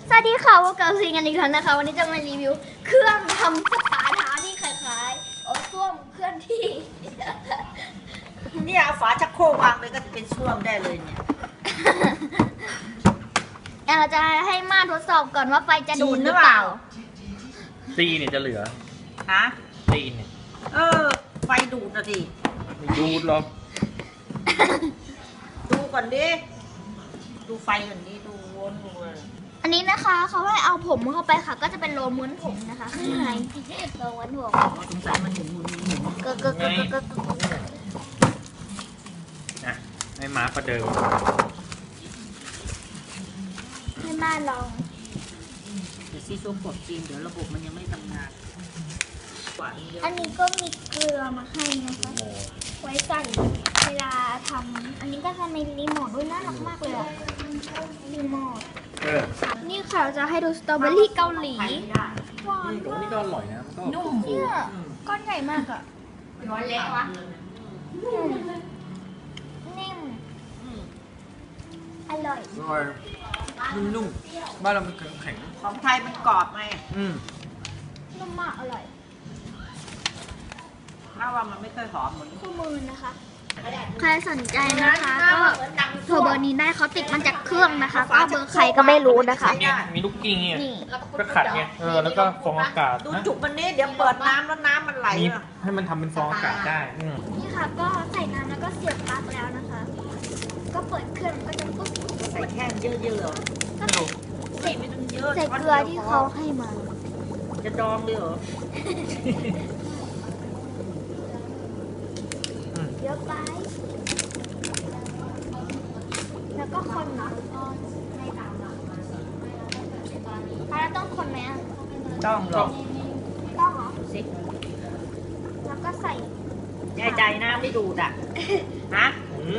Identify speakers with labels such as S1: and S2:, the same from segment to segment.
S1: สวัสดีค่ะพวกเราซีกันอีกแล้วนะคะวันนี้จะมารีวิวเครื่องทำสปาเท้าที่คล้ายๆส้วมเคลื่อนที่
S2: เนี่ยเอาฝาชักโครกวางเลยก็จะเป็นส้วมได้เลยเนี่ย
S1: เราจะให้มาทดสอบก่อนว่าไฟจะดูดหรือเปล่า
S3: ซีเนี่ยจะเหลือ
S2: ฮะ
S3: ซีเนี่ย
S2: ไฟดูดนะดิ
S3: ไม่ดูดหรอก
S2: ดูก่อนดิดูไฟก่อนดิดูวนดูเลย
S1: อันนี้นะคะเขาให้เอาผมเข้าไปค่ะ ก็จะเป็นโรลม้วนผมนะคะข้างในโรลม้วนผม
S2: สงสัยมันหมุน
S1: เกิด
S3: อ่ะให้ม้าประเดิม
S1: ให้มาลอง
S2: เดี๋ยวซีซัวกดจีนเดี๋ยวระบบมันยังไม่ทำงานกว่านี้เยอะ
S1: อันนี้ก็มีเกลือมาให้นะคะ
S3: โอ้
S1: ไว้ใส่เวลาทำอันนี้ก็จะมีรีโมทด้วยน่ารักมากเลยอะรีโมท นี่ค่ะเราจะให้ดูสตรอเบอรี่เกาหลีหวาน
S3: ตรงนี้ก็อร่อยนะมันก็
S2: นุ่ม
S1: เนี่ยก้อนใหญ่มากอะ
S2: ร้อนเล็กวะ
S1: นิ่มอร่อย
S3: อร่อยนุ่มๆบ้านเรามันแข็ง
S2: ของไทยมันกรอบไง
S1: นุ่มมากอร่อย
S2: ถ้าว่ามันไม่ค่อยหอมเหมือน
S1: คู่มือนะคะ ใครสนใจนะคะ ก็โทรเบอร์นี้ได้เขาติดมันจากเครื่องนะคะ ก็เบอร์ใครก็ไม่รู้นะคะ
S3: เนี่ยมีลูกกิ้งเนี่ย
S1: นี่
S3: ก็ขัดไงแล้วก็ฟองอากาศ
S2: ดู
S3: นะ
S2: จุกมันนี้เดี๋ยวเปิดน้ำแล้วน้ำมันไหล
S3: มี
S2: อะ
S3: ให้มันทำเป็นฟองอากาศได้
S1: นี่ค่ะก็ใส่น้ำแล้วก็เสียบปลั๊กแล้วนะคะ ก็เปิดเครื่องก็จะปุ๊บ
S2: ใส่แค่เยอะๆเหรอ
S1: ก็ใส่
S2: ใส่ไม่ต้องเยอะ
S1: ใส่เกลือที่เขาให้มา
S2: จะดองเลยเหรอ
S1: เยอะไป แล้วก็คนเนาะแล้วต้องคนไหมอ่ะ
S2: ต้องหรอก
S1: ต้องเหรอ
S2: สิ
S1: แล้วก็ใส่
S2: แน่ใจนะไม่ดูดอ่ะ ฮะ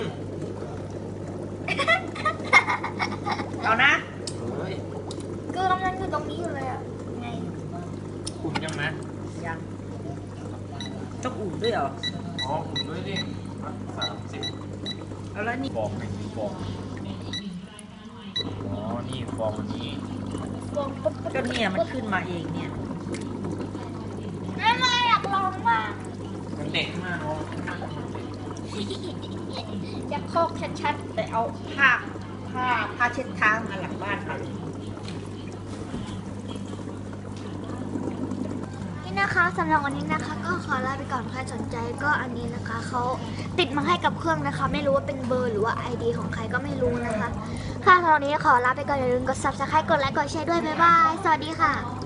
S2: เอานะ
S1: เกลือมันอยู่ตรงนี้อยู่เลยอ่ะไง
S3: อุ่นยังไหม
S2: ยังต้องอุ่นด้วยเหรอ
S3: อ๋ออุ่นด้วยดิ30
S2: เอาแล้วนี่
S3: ฟองหนึ่งฟองอ๋อนี่ฟองอันนี้
S1: ลองปุ๊บ
S2: ก็เนี่ยมันขึ้นมาเองเนี่ย
S1: ไม่อยากลองมาก
S3: มันเด็กมากเนาะ
S1: อยากโคกชัด
S2: แต่เอาผ้าเช็ดเท้ามาหลังบ้านไป
S1: ๆนี่นะคะสำหรับวันนี้นะคะ ก็ขอลาไปก่อนใครสนใจก็อันนี้นะคะเขาติดมาให้กับเครื่องนะคะ ไม่รู้ว่าเป็นเบอร์หรือว่า ID ของใครก็ไม่รู้นะคะค่ะสำหรับวันนี้ขอลาไปก่อนอย่าลืมกด Subscribe กดไลค์กดแชร์ด้วยบ๊ายบายสวัสดีค่ะ